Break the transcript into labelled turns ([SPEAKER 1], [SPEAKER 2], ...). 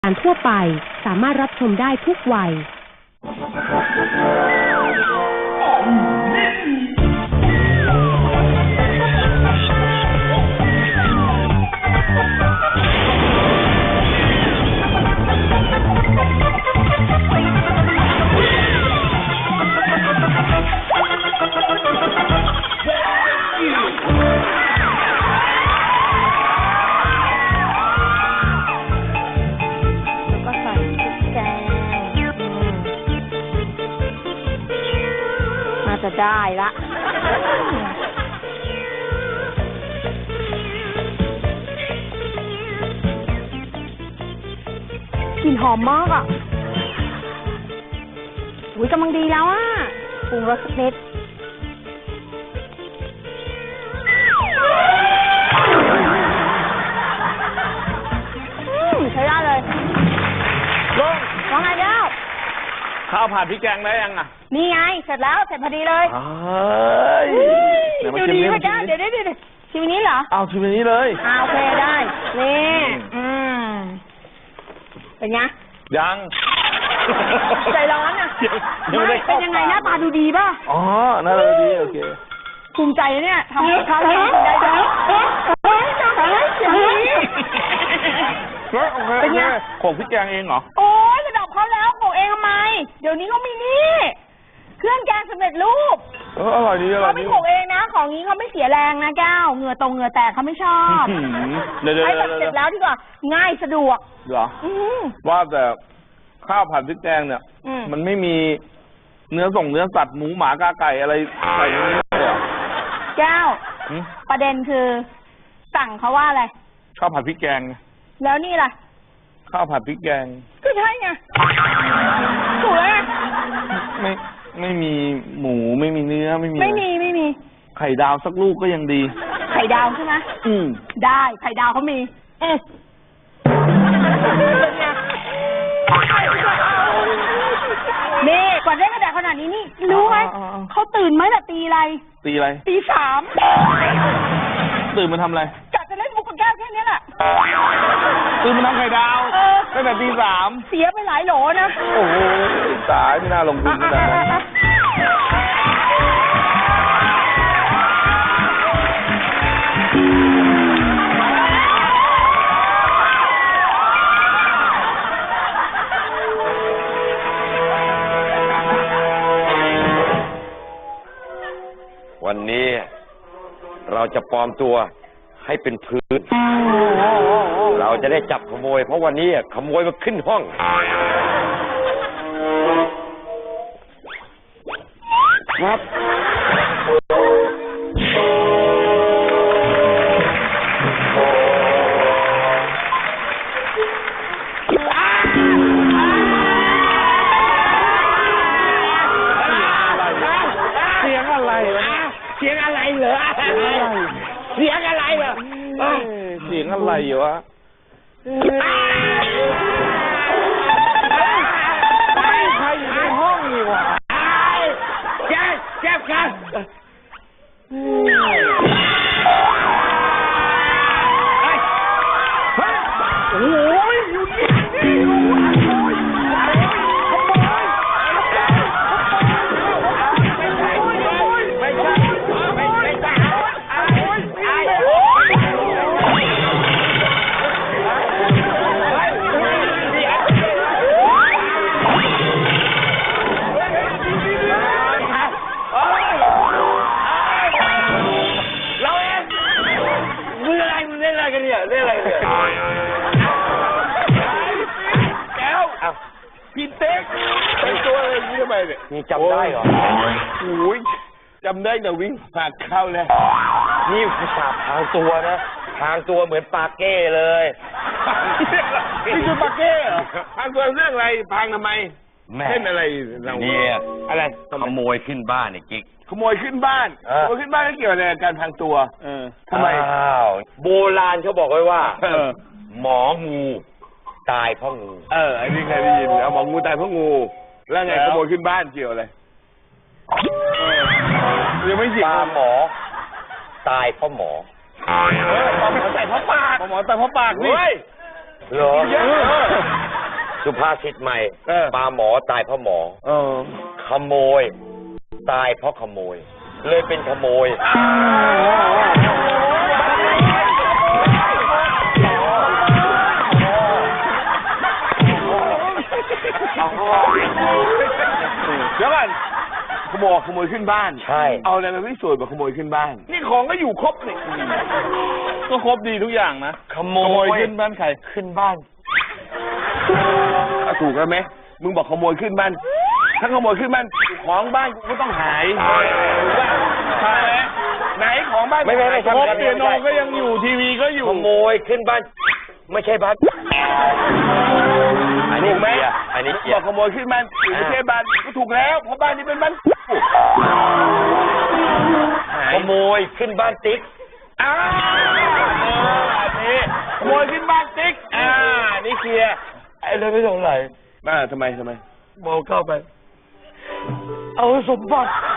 [SPEAKER 1] การทั่วไปสามารถรับชมได้ทุกวัย
[SPEAKER 2] จะได้ละกลิ่นหอมมากอ่ะอุ้ยกำลังดีแล้วอ่ะปรุงรสสักนิดใช้ได้เลยลุงว่าไงเจ้า
[SPEAKER 3] ข้าวผัดพริกแกงได้ยังอ่ะ
[SPEAKER 2] นี่ไงเสร็จแล้วเสร็จพอดีเลยดูดีไหมจ้าเดี๋ยวชิมนี้เหรอ
[SPEAKER 3] เอาชิมนี้เลย
[SPEAKER 2] โอเคได้นี่เป็นไง
[SPEAKER 3] ยัง
[SPEAKER 2] ใจร้อนอ่ะไม่เป็นยังไงหน้าตาดูดีป่ะ
[SPEAKER 3] อ๋อหน้าตาดูดีโอเค
[SPEAKER 2] ภูมิใจเนี่ยทำข้าวได้แล้ว
[SPEAKER 3] เป็นไงโขลกพริกแกงเองเหรอ
[SPEAKER 2] โอ้ยระดับเขาแล้วโขลกเองทำไมเดี๋ยวนี้เขามีนี่เครื่องแกงสำเร็จรูป
[SPEAKER 3] อร่อยดี
[SPEAKER 2] เขาไม่โขลกเองนะของนี้เขาไม่เสียแรงนะแก้วเหงื่อแตกเขาไม่ชอบให้แบบเสร็จแล้วดีกว่าง่ายสะดวก
[SPEAKER 3] เหรอว่าแต่ข้าวผัดพริกแกงเนี่ยมันไม่มีเนื้อสัตว์หมูหมากาไก่อะไรใส่ในนี้เลยเหรอ
[SPEAKER 2] แก้วประเด็นคือสั่งเขาว่าอะไร
[SPEAKER 3] ข้าวผัดพริกแกง
[SPEAKER 2] แล้วนี่ล่ะ
[SPEAKER 3] ข้าวผัดพริกแกง
[SPEAKER 2] ก็ใช่ไงถูกแล้ว
[SPEAKER 3] ไม่มีหมูไม่มีเนื้อไม่มีไข่ดาวสักลูกก็ยังดี
[SPEAKER 2] ไข่ดาวใช่ไหมได้ไข่ดาวเขามีนี่กว่าได้กระดาษขนาดนี้นี่รู้ไหมเขาตื่นไหมล่ะตีอะไร
[SPEAKER 3] ตี
[SPEAKER 2] 3
[SPEAKER 3] ตื่นมาทำอะไร
[SPEAKER 2] กะจะเล่นมุกกับแก้วแค่นี้แหละ
[SPEAKER 3] ตื่นมาทำไข่ดาวตั้งแต่ตี 3
[SPEAKER 2] เสียไปหลายโหลนะ
[SPEAKER 3] โอ้โหตายไม่น่าลงทุนขนาดนั้น
[SPEAKER 4] วันนี้เราจะปลอมตัวให้เป็นพื้นเราจะได้จับขโมยเพราะวันนี้ขโมยมาขึ้นห้องครับ
[SPEAKER 3] เสียงอะไรเหรอ
[SPEAKER 4] เสียงอะไรอยู่วะ
[SPEAKER 3] ใครอยู่ในห้องนี่วะ
[SPEAKER 4] แจ๊บครับ
[SPEAKER 3] โอ้ยอยู่นี่พี่เต๊กเป็นตัวอะไรนี่ทำไมเนี่ย
[SPEAKER 4] นี่จำได้เหรอ
[SPEAKER 3] โอ้ยจำได้แต่วิ่งผ่านเข้าเลย
[SPEAKER 4] นี่ภาษาทางตัวนะทางตัวเหมือนปาเก้เลย
[SPEAKER 3] นี่คือปาเก้เหรอทางตัวเรื่องอะไรพังทำไมเล่นอะไรเรา
[SPEAKER 4] เนี่ย
[SPEAKER 3] อะไร
[SPEAKER 4] ขโมยขึ้นบ้านไอ้กิ๊ก
[SPEAKER 3] ขโมยขึ้นบ้านแล้วเกี่ยวอะไรกับการพังตัวทำไม
[SPEAKER 4] โบราณเขาบอกไว้ว่าหมองูตายเพราะงู
[SPEAKER 3] อันนี้เคยได้ยินหมองูตายเพราะงูแล้วไงขโมยขึ้นบ้านเกี่ยวอะไรยังไม่สิ
[SPEAKER 4] หมอตายเพราะหมอ
[SPEAKER 3] หมอใส่เพราะปากหมอใส่เพราะปากนี่
[SPEAKER 4] เหรอสุภาษิตใหม่ ปลาหมอตายเพราะหมอ ขโมย ตายเพราะขโมย เลยเป็นขโมย
[SPEAKER 3] เดี๋ยวก่อนขโมยขึ้นบ้าน
[SPEAKER 4] ใช่
[SPEAKER 3] เอาอะไรมาพิสูจน์ว่าขโมยขึ้นบ้าน นี่ของก็อยู่ครบนี่ก็ครบดีทุกอย่างนะ
[SPEAKER 4] ขโมย
[SPEAKER 3] ขึ้นบ้านใคร
[SPEAKER 4] ขึ้นบ้าน
[SPEAKER 3] ถูกแล้วไหมมึงบอกขโมยขึ้นบ้าน ถ้าขโมยขึ้นบ้านของบ้านกูก็ต้องหายใช่ไหมไหนของบ้าน
[SPEAKER 4] ไม่
[SPEAKER 3] ครบเปียโนก็ยังอยู่ทีวีก็อยู่
[SPEAKER 4] ขโมยขึ้นบ้าน ไม่ใช่บ้าน อันนี้
[SPEAKER 3] ถูกไหม
[SPEAKER 4] เกียร์อันนี้เกีย
[SPEAKER 3] บอ
[SPEAKER 4] ร์
[SPEAKER 3] กขโมยขึ้นบ้านไม่ใช่บ้านก็ถูกแล้วเพราะบ้านนี้เป็นบ้าน
[SPEAKER 4] ขโมยขึ้นบ้านติ๊ก
[SPEAKER 3] อันนี้ขโมยขึ้นบ้านติ๊กนี่เคลียร์
[SPEAKER 4] ไอ้เลยไม่สงสัย
[SPEAKER 3] ทำไม
[SPEAKER 4] มองเข้าไป เอาสมบัติ